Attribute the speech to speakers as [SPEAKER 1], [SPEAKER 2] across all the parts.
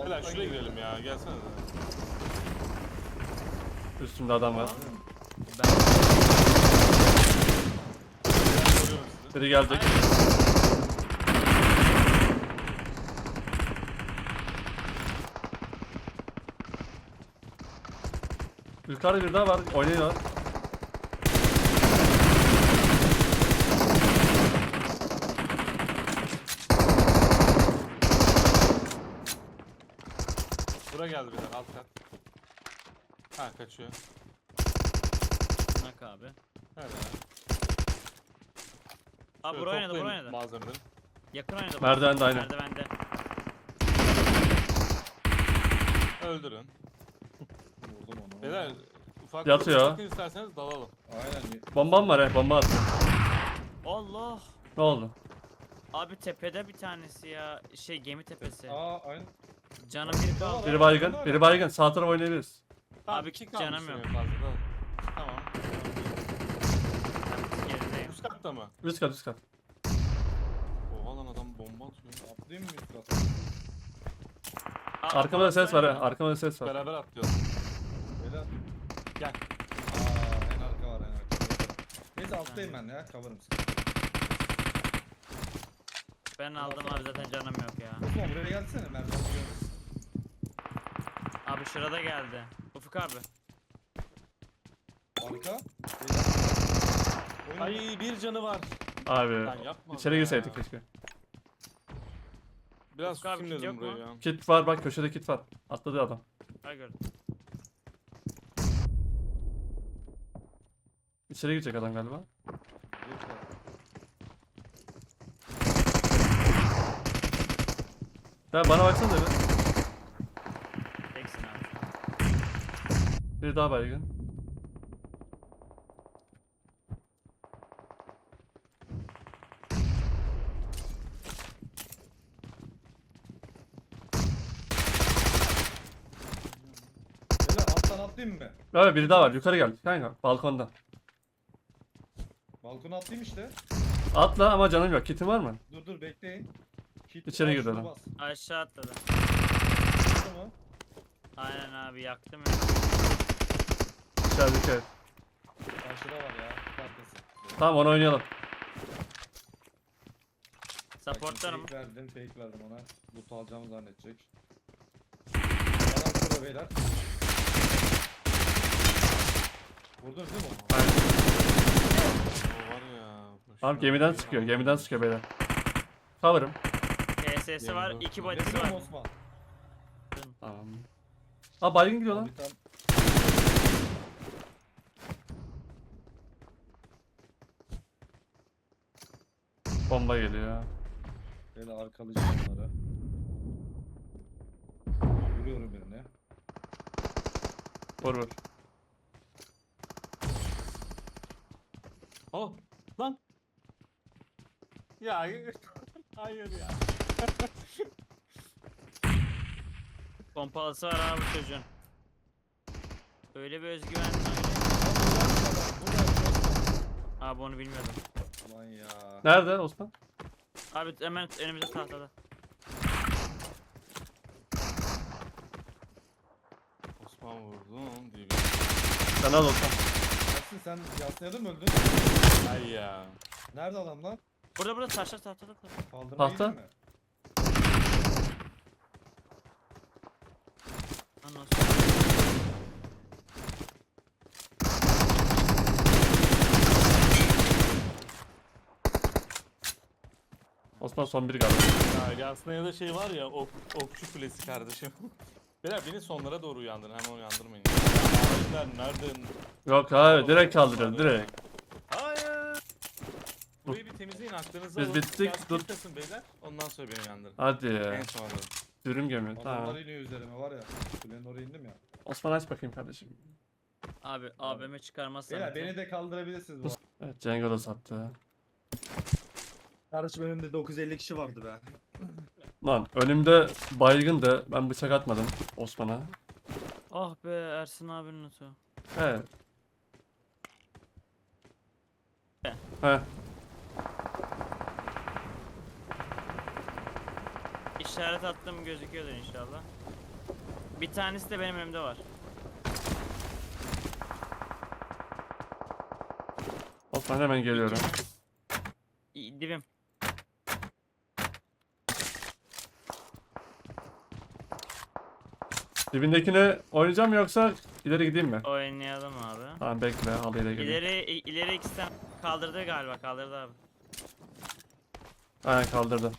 [SPEAKER 1] Beyler şuraya girelim ya. Gelsene de.
[SPEAKER 2] Üstümde adam var.
[SPEAKER 3] Ben
[SPEAKER 1] Görüyorum sizi.
[SPEAKER 2] Biri gelecek. Yukarıda bir daha var. Oynuyor.
[SPEAKER 1] Bura geldi beyler alt kat. Ha kaçıyor.
[SPEAKER 3] nak abi.
[SPEAKER 1] Nerede ya?
[SPEAKER 3] Abi
[SPEAKER 1] Şöyle
[SPEAKER 3] buraya oynadı,
[SPEAKER 1] toplayın
[SPEAKER 3] buraya oynadı.
[SPEAKER 1] malzemeleri.
[SPEAKER 3] Yakın oynadı.
[SPEAKER 2] Merdivende aynen.
[SPEAKER 3] Merdivende.
[SPEAKER 1] Öldürün.
[SPEAKER 4] Vurdum onu.
[SPEAKER 1] Beyler ufak
[SPEAKER 2] Yatıyor.
[SPEAKER 1] bakın isterseniz dalalım.
[SPEAKER 4] Aynen.
[SPEAKER 2] Bombam var he. Bomba attım.
[SPEAKER 3] Allah.
[SPEAKER 2] Ne oldu?
[SPEAKER 3] Abi tepede bir tanesi ya. Şey gemi tepesi.
[SPEAKER 4] Aa aynen.
[SPEAKER 3] Canım bir kaldı.
[SPEAKER 2] Biri baygın. Biri baygın. Sağ tarafa oynayabiliriz.
[SPEAKER 3] Abi
[SPEAKER 1] iki
[SPEAKER 3] canım
[SPEAKER 1] kalmış
[SPEAKER 3] yok.
[SPEAKER 1] en fazla da. Tamam.
[SPEAKER 3] Gerideyim.
[SPEAKER 1] Üst katta mı?
[SPEAKER 2] Üst kat üst kat.
[SPEAKER 1] Oha lan adam bomba atıyor.
[SPEAKER 4] Atlayayım mı üst kata?
[SPEAKER 3] Aa,
[SPEAKER 2] Arkamda da ses var he. Arkamda da ses var.
[SPEAKER 1] Beraber atlıyoruz.
[SPEAKER 4] Beyler.
[SPEAKER 1] Gel.
[SPEAKER 4] Aa en arka var en arka. Neyse alttayım ben ya. Cover'ım sizi.
[SPEAKER 3] Ben aldım abi, zaten canım yok ya.
[SPEAKER 4] Osman buraya gelsene. Merdiven görüyoruz.
[SPEAKER 3] Abi şurada geldi. Ufuk abi.
[SPEAKER 4] Arka. Beyler. Oyun.
[SPEAKER 1] Ay bir canı var.
[SPEAKER 2] Abi.
[SPEAKER 1] Lan yapma.
[SPEAKER 2] İçeri
[SPEAKER 1] be.
[SPEAKER 2] girseydik keşke.
[SPEAKER 1] Biraz
[SPEAKER 3] Ufuk abi,
[SPEAKER 1] tutayım
[SPEAKER 3] kit
[SPEAKER 1] dedim
[SPEAKER 3] yok
[SPEAKER 1] burayı
[SPEAKER 3] mu?
[SPEAKER 1] ya.
[SPEAKER 2] Kit var bak, köşede kit var. Atladı adam.
[SPEAKER 3] Ha gördüm.
[SPEAKER 2] İçeri girecek adam galiba. Ya bana baksana bir.
[SPEAKER 3] Teksin abi.
[SPEAKER 2] Bir daha baygın.
[SPEAKER 4] Beyler alttan atlayayım mı?
[SPEAKER 2] Evet biri daha var. Yukarı gel. Kanka balkonda.
[SPEAKER 4] Balkona atlayayım işte.
[SPEAKER 2] Atla ama canım yok. Kitin var mı?
[SPEAKER 4] Dur bekleyin. Kit.
[SPEAKER 2] İçeri
[SPEAKER 4] Aa,
[SPEAKER 2] girdi
[SPEAKER 4] şuna
[SPEAKER 2] adam.
[SPEAKER 4] bas.
[SPEAKER 3] Aşağı atladı.
[SPEAKER 4] Şurada mı?
[SPEAKER 3] Aynen abi, yaktım ya.
[SPEAKER 2] İçerideki evet.
[SPEAKER 4] Karşıda var ya. Arkası.
[SPEAKER 2] Tamam onu oynayalım.
[SPEAKER 3] Supportlarım.
[SPEAKER 4] Fake verdim ona. Loot alacağımı zannedecek. Adam şurada beyler. Vurdunuz değil mi onu?
[SPEAKER 2] Aynen.
[SPEAKER 1] O var ya.
[SPEAKER 2] Tamam gemiden sıkıyor. Gemiden sıkıyor beyler. Cover'ım.
[SPEAKER 3] TS'si var,
[SPEAKER 1] Yemin
[SPEAKER 3] 2
[SPEAKER 1] olsun.
[SPEAKER 3] body'si
[SPEAKER 4] Veriyorum
[SPEAKER 3] var.
[SPEAKER 4] Osman.
[SPEAKER 2] Tamam. Aa baygın gidiyor lan.
[SPEAKER 4] Bir tane
[SPEAKER 2] Bomba geliyor.
[SPEAKER 4] böyle arkalayacağım onları. Vuruyorum birine.
[SPEAKER 2] Vur vur.
[SPEAKER 1] Oh lan. Ya hayır ya.
[SPEAKER 3] Pompalısı var abi çocuğun. Öyle bir özgüven. Abi onu bilmiyordum.
[SPEAKER 4] Ulan ya.
[SPEAKER 2] Nerede Osman?
[SPEAKER 3] Abi hemen önümüzde tahtada.
[SPEAKER 1] Osman vurdum diye.
[SPEAKER 2] Sen al Osman.
[SPEAKER 4] Ersin sen Yasna'da mı öldün?
[SPEAKER 1] Ay ya.
[SPEAKER 4] Nerede adam lan?
[SPEAKER 3] Burada taşlar tahtada.
[SPEAKER 4] Kaldırma
[SPEAKER 2] Tahta.
[SPEAKER 4] yedin mi?
[SPEAKER 3] Lan nasıl?
[SPEAKER 2] Osman son biri galiba.
[SPEAKER 1] Ya aslında ya da şey var ya okçu kulesi kardeşim. Beyler beni sonlara doğru uyandırın, hemen uyandırmayın. Ya, nereden?
[SPEAKER 2] Yok abi direkt kaldırıyoruz direkt.
[SPEAKER 1] Hayır. Burayı bir temizleyin, aklınızı
[SPEAKER 2] Biz
[SPEAKER 1] alın.
[SPEAKER 2] bittik,
[SPEAKER 1] Biraz
[SPEAKER 2] dur.
[SPEAKER 1] kilitlesin beyler. Ondan sonra beni uyandırın.
[SPEAKER 2] Hadi
[SPEAKER 1] En
[SPEAKER 2] ya.
[SPEAKER 1] son alırım.
[SPEAKER 2] Dürüm gömüyor.
[SPEAKER 4] Adamlar
[SPEAKER 2] Tamam.
[SPEAKER 4] iniyor üzerime var ya. Kulenin oraya indim ya.
[SPEAKER 2] Osman aç bakayım kardeşim.
[SPEAKER 3] Abi AVM çıkarmazsan.
[SPEAKER 4] Beyler beni de kaldırabilirsiniz bu.
[SPEAKER 2] Evet Cengo da sattı.
[SPEAKER 4] Kardeşim önümde 950 kişi vardı be.
[SPEAKER 2] Lan önümde baygındı. Ben bıçak atmadım Osman'a.
[SPEAKER 3] Ah be Ersin abinin notu.
[SPEAKER 2] Evet. He.
[SPEAKER 3] işaret attım gözüküyordur inşallah. Bir tanesi de benim önümde var.
[SPEAKER 2] Osman hemen geliyorum.
[SPEAKER 3] Dibim.
[SPEAKER 2] Dibindekine oynayacağım mı yoksa ileri gideyim mi?
[SPEAKER 3] Oynayalım abi.
[SPEAKER 2] Tamam bekle halıyla geleyim.
[SPEAKER 3] İleri ikisinden kaldırdı galiba, kaldırdı abi.
[SPEAKER 2] Aynen kaldırdı.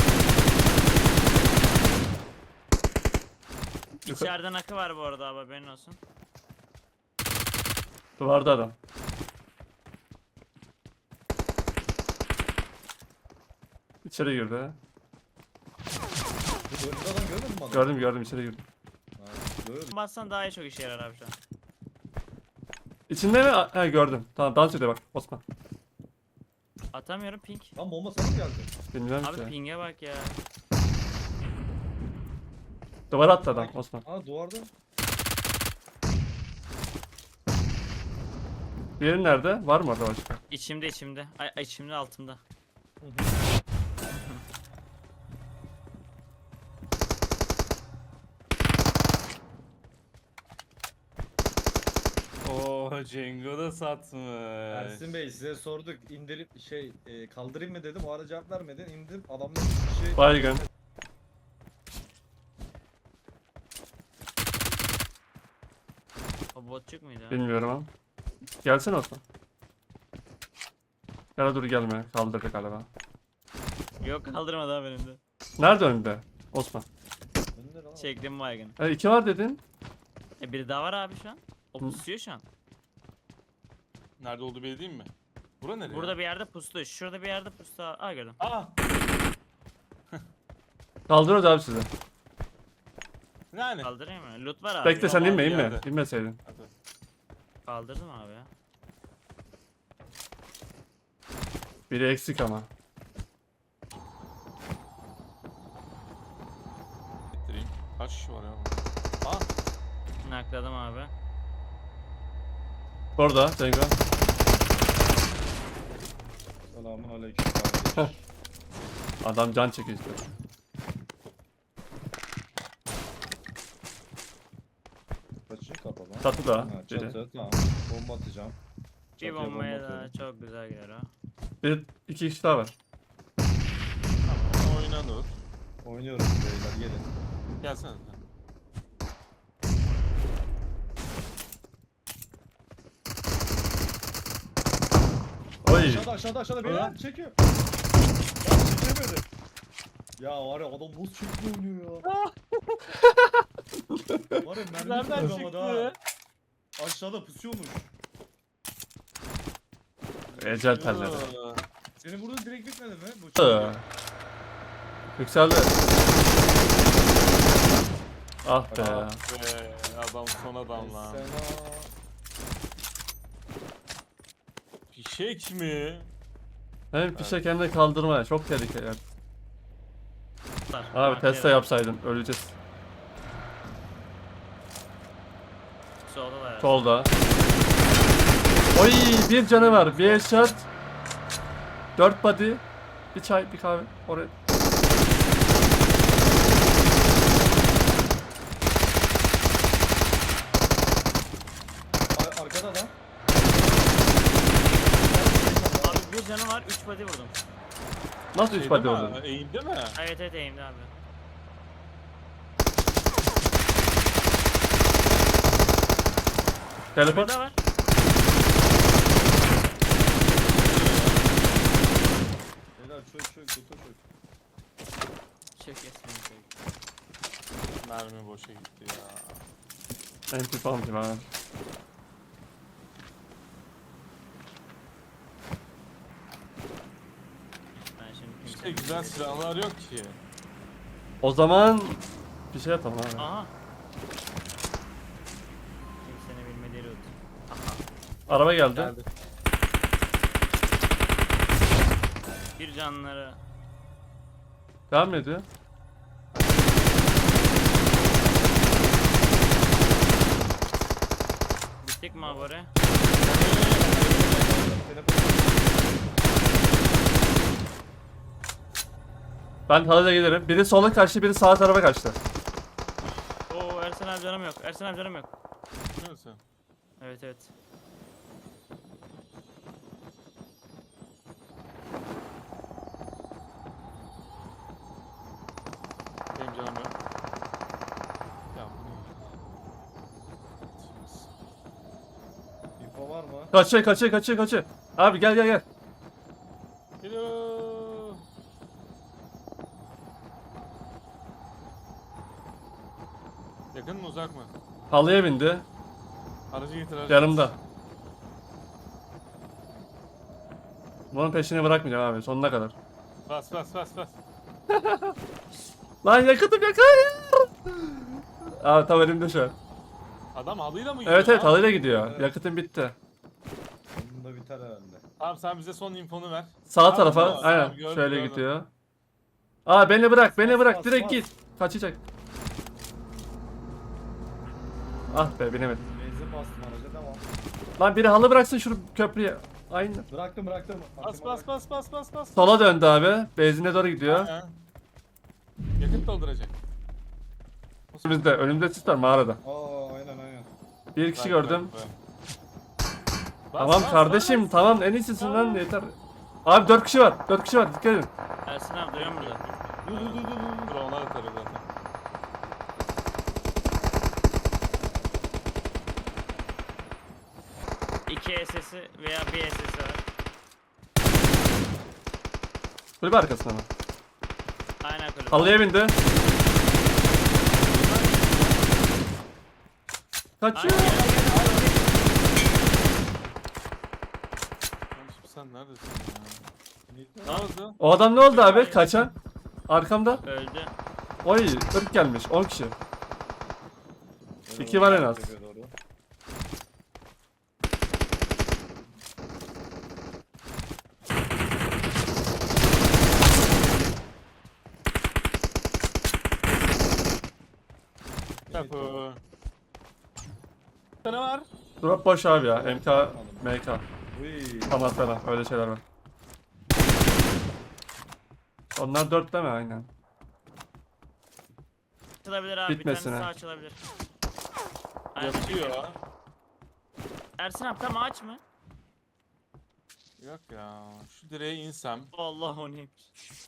[SPEAKER 3] İçeriden akı var bu arada abi, haberin olsun.
[SPEAKER 2] Duvarda adam. İçeri girdi.
[SPEAKER 4] Önünde adam görmedin mi adamı?
[SPEAKER 2] Gördüm içeri girdi.
[SPEAKER 4] Ha, gördüm.
[SPEAKER 3] Bassan daha iyi, çok işe yarar abi şu an.
[SPEAKER 2] İçinde mi? He gördüm. Tamam dans ediyor bak Osman.
[SPEAKER 3] Atamıyorum ping.
[SPEAKER 4] Lan bomba sana mı geldi?
[SPEAKER 2] Bilmiyorum
[SPEAKER 3] Abi
[SPEAKER 2] ki.
[SPEAKER 3] ping'e bak ya.
[SPEAKER 2] Duvara attı adam Osman.
[SPEAKER 4] Aa duvarda.
[SPEAKER 2] Diğeri nerede? Var mı orada başka?
[SPEAKER 3] İçimde. Ay içimde, altımda.
[SPEAKER 1] Oo Cengo da satmış.
[SPEAKER 4] Ersin Bey size sorduk. İndirip kaldırayım mı dedim. O ara cevap vermedin. İndim. Adamlar bir şey...
[SPEAKER 2] Baygın.
[SPEAKER 3] O botçuk muydu?
[SPEAKER 2] Bilmiyorum ama. Gelsene Osman. Ya dur gelme. Kaldırdı galiba.
[SPEAKER 3] Yok, kaldırmadı abi önümde.
[SPEAKER 2] Nerede önünde? Osman.
[SPEAKER 4] Önde lan.
[SPEAKER 3] Çektim baygın.
[SPEAKER 2] İki var dedin.
[SPEAKER 3] Biri daha var abi şu an. O
[SPEAKER 2] Hı.
[SPEAKER 3] pusuyor şu an.
[SPEAKER 1] Nerede olduğu belli değil mi? Bura nereye?
[SPEAKER 3] Burada bir yerde pustu. Şurada bir yerde pustu. Aa, gördüm.
[SPEAKER 1] Aa!
[SPEAKER 2] Kaldırıyoruz abi sizi.
[SPEAKER 1] Yani.
[SPEAKER 3] Kaldırayım mı? Loot var abi.
[SPEAKER 2] Bekle sen
[SPEAKER 1] var
[SPEAKER 2] inme
[SPEAKER 1] bir
[SPEAKER 2] inme.
[SPEAKER 1] yerde.
[SPEAKER 2] İnmeseydin.
[SPEAKER 1] Hadi.
[SPEAKER 3] Kaldırdım abi ya.
[SPEAKER 2] Biri eksik ama.
[SPEAKER 1] Bitireyim. Kaç kişi var ya? Aa!
[SPEAKER 3] Nakladım abi.
[SPEAKER 2] Orada Cengo.
[SPEAKER 4] Selamun aleyküm kardeş.
[SPEAKER 2] Adam can çekiyor işte.
[SPEAKER 4] Kaçın kapalı.
[SPEAKER 2] Çatıda
[SPEAKER 4] Ha,
[SPEAKER 2] biri.
[SPEAKER 4] çatı tamam. Bomba atacağım.
[SPEAKER 3] Bir
[SPEAKER 4] Çatıya
[SPEAKER 3] bombaya
[SPEAKER 4] bomba
[SPEAKER 3] da
[SPEAKER 4] atıyorum.
[SPEAKER 3] çok güzel gider o.
[SPEAKER 2] Bir iki kişi daha var.
[SPEAKER 1] Tamam oynanır.
[SPEAKER 4] Oynuyoruz beyler gelin.
[SPEAKER 1] Gelsene sen.
[SPEAKER 2] Oy.
[SPEAKER 4] Aşağıda beyler çekiyor. Ya çekemedi. Ya var ya adam nasıl çekti oynuyor ya. Var ya mermi
[SPEAKER 1] Nereden
[SPEAKER 4] tutamadı
[SPEAKER 1] çıktı?
[SPEAKER 4] ha. Aşağıda pusuyormuş.
[SPEAKER 2] Ecel telleri.
[SPEAKER 1] Aa.
[SPEAKER 4] Senin burada direkt bitmedi mi? Bu
[SPEAKER 2] Hı. Yükseldi. Ah be.
[SPEAKER 1] Ah be, adam son adam lan.
[SPEAKER 4] Sena.
[SPEAKER 1] Fişek mi?
[SPEAKER 2] Hem fişe kendini kaldırma. Çok tehlikeli.
[SPEAKER 3] Tutar.
[SPEAKER 2] Abi Tesla yapsaydın. Öleceğiz.
[SPEAKER 3] Solda da ya.
[SPEAKER 2] Solda. Oy bir canı var. Bir headshot. 4 body. Bir çay bir kahve. Oraya.
[SPEAKER 4] Arkada da.
[SPEAKER 3] Abi bir canı var, 3 body vurdum.
[SPEAKER 2] Nasıl 3
[SPEAKER 1] Şeyde
[SPEAKER 2] body
[SPEAKER 1] mi?
[SPEAKER 2] oldu?
[SPEAKER 1] Eğimde mi?
[SPEAKER 3] Evet eğimde abi.
[SPEAKER 2] Teleport.
[SPEAKER 3] Burada var.
[SPEAKER 4] Beyler çök kutu çök.
[SPEAKER 3] Çek esmini çek.
[SPEAKER 1] Mermi boşa gitti ya.
[SPEAKER 2] MP falan diyeyim abi.
[SPEAKER 3] Ben şimdi
[SPEAKER 1] İşte
[SPEAKER 3] kimsenin-
[SPEAKER 1] güzel silahlar yok ki.
[SPEAKER 2] O zaman bir şey yapalım abi.
[SPEAKER 3] Aha. Kimsenin bilmediği loot.
[SPEAKER 2] Araba geldi.
[SPEAKER 1] Geldi.
[SPEAKER 3] Bir canları.
[SPEAKER 2] Devam mı ediyor?
[SPEAKER 3] Bittik mi abi oraya?
[SPEAKER 2] Ben halıyla gelirim. Biri sola kaçtı, biri sağ tarafa kaçtı.
[SPEAKER 3] Oo Ersen abi canım yok. Ersen abi canım yok.
[SPEAKER 1] Biliyor musun?
[SPEAKER 3] Evet evet.
[SPEAKER 1] Benim canım yok. Ya bu ne?
[SPEAKER 4] İnfo var mı?
[SPEAKER 2] Kaçıyor. Abi gel.
[SPEAKER 1] Geliyor. Yakın mı uzak mı?
[SPEAKER 2] Halıya bindi.
[SPEAKER 1] Aracı getir aracı.
[SPEAKER 2] Yanımda. Bunun peşini bırakmayacağım abi sonuna kadar.
[SPEAKER 1] Bas.
[SPEAKER 2] Lan yakıtım yok, hayır. Abi tam elimde şu an.
[SPEAKER 1] Adam halıyla mı gidiyor?
[SPEAKER 2] Evet
[SPEAKER 1] lan?
[SPEAKER 2] halıyla gidiyor.
[SPEAKER 4] Evet.
[SPEAKER 2] yakıtım bitti.
[SPEAKER 4] Bunun da biter herhalde.
[SPEAKER 1] Tamam sen bize son infonu ver.
[SPEAKER 2] Sağ
[SPEAKER 1] Tamam,
[SPEAKER 2] tarafa
[SPEAKER 1] tamam,
[SPEAKER 2] aynen
[SPEAKER 1] tamam, gördüm,
[SPEAKER 2] şöyle
[SPEAKER 1] gördüm.
[SPEAKER 2] gidiyor. Aa beni bırak
[SPEAKER 4] bas,
[SPEAKER 2] direkt
[SPEAKER 4] bas.
[SPEAKER 2] git. Kaçacak. Ah be binemedim.
[SPEAKER 4] Benzin bastım araca tamam.
[SPEAKER 2] Lan biri halı bıraksın şu köprüye. Aynen.
[SPEAKER 4] Bıraktım.
[SPEAKER 1] Bas.
[SPEAKER 2] Sola döndü abi. Benzine doğru gidiyor.
[SPEAKER 1] Aynen. Yakıt dolduracak.
[SPEAKER 2] Önümüzde. Önümüzde sis var mağarada.
[SPEAKER 4] Aa aynen.
[SPEAKER 2] Bir kişi
[SPEAKER 1] Bak,
[SPEAKER 2] gördüm.
[SPEAKER 1] bak.
[SPEAKER 2] Tamam
[SPEAKER 1] Bas,
[SPEAKER 2] kardeşim
[SPEAKER 1] bas.
[SPEAKER 2] tamam en iyisisin lan yeter. Abi 4 kişi var. Dikkat edin.
[SPEAKER 3] Ersen abi duyuyor musun burada?
[SPEAKER 1] Dur onlar atarız zaten.
[SPEAKER 3] İki SS'i veya bir SS'i var.
[SPEAKER 2] Kulübe arkasına mı?
[SPEAKER 3] Aynen kulübe.
[SPEAKER 2] Halıya bindi.
[SPEAKER 3] Aynen.
[SPEAKER 2] Kaçıyor.
[SPEAKER 1] Kardeşim sen neredesin ya? Ne oldu?
[SPEAKER 2] O adam ne oldu abi? Kaçan. Arkamda.
[SPEAKER 3] Öldü.
[SPEAKER 2] Oy 40 gelmiş 10 kişi. İki var en az.
[SPEAKER 4] Doğru.
[SPEAKER 1] Kapı. Ne var?
[SPEAKER 2] Drop boş abi ya. MK, MK.
[SPEAKER 4] Uy.
[SPEAKER 2] Tamam falan öyle şeyler var. Onlar 4 değil mi? Aynen.
[SPEAKER 3] Açılabilir abi.
[SPEAKER 2] Bitmesine.
[SPEAKER 3] Bir tanesi sağ açılabilir. Aynen.
[SPEAKER 1] Yatıyor.
[SPEAKER 3] Ersin abi tam ağaç mı?
[SPEAKER 1] Yok ya. Şu direğe insem
[SPEAKER 3] Allah o neymiş.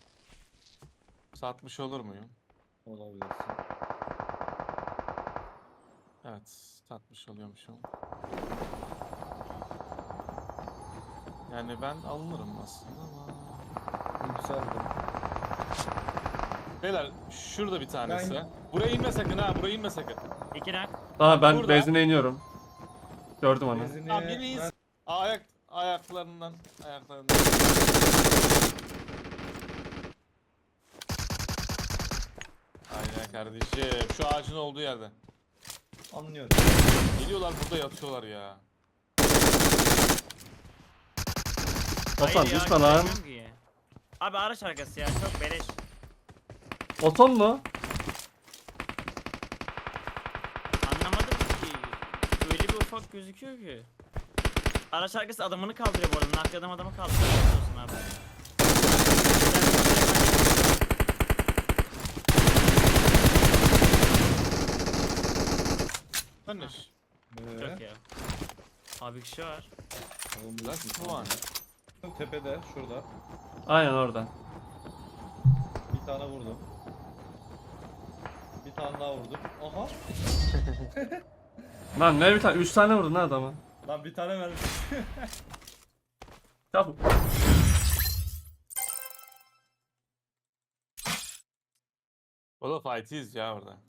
[SPEAKER 1] satmış olur muyum?
[SPEAKER 4] Olabilirsin.
[SPEAKER 1] Evet. Satmış oluyormuşum. Yani ben alınırım aslında ama...
[SPEAKER 4] Yükseldim.
[SPEAKER 1] Beyler şurada bir tanesi.
[SPEAKER 4] Ben-
[SPEAKER 1] Buraya inme sakın ha. Buraya inme sakın.
[SPEAKER 3] İki nak.
[SPEAKER 2] Tamam ben
[SPEAKER 1] Burada.
[SPEAKER 2] benzine iniyorum. Gördüm onu.
[SPEAKER 4] Benzini
[SPEAKER 1] Tamam biri insin. Ayaklarından. Aynen kardeşim. Şu ağacın olduğu yerde.
[SPEAKER 4] anlıyorum.
[SPEAKER 1] Geliyorlar burada yatıyorlar ya.
[SPEAKER 2] Otan
[SPEAKER 3] Hayır ya,
[SPEAKER 2] düşme lan.
[SPEAKER 3] göremiyorum ki. Abi araç arkası ya çok beleş.
[SPEAKER 2] Oton mu?
[SPEAKER 3] Anlamadım ki. Öyle bir ufak gözüküyor ki. Araç arkası adamını kaldırıyor bu arada. Nakli adam adamı kaldırıyor. Biliyorsun abi.
[SPEAKER 1] Tanış.
[SPEAKER 3] Çok ya. Abi kişi var.
[SPEAKER 4] Oğlum bu
[SPEAKER 1] That's the one.
[SPEAKER 4] tepede şurada.
[SPEAKER 2] Aynen orada.
[SPEAKER 4] Bir tane vurdum. Bir tane daha vurdum. Aha.
[SPEAKER 2] Lan ne bir tane 3 tane vurdun lan adama.
[SPEAKER 4] Lan bir tane verdim.
[SPEAKER 2] Tamam.
[SPEAKER 1] O da fight'iyiz ya orada.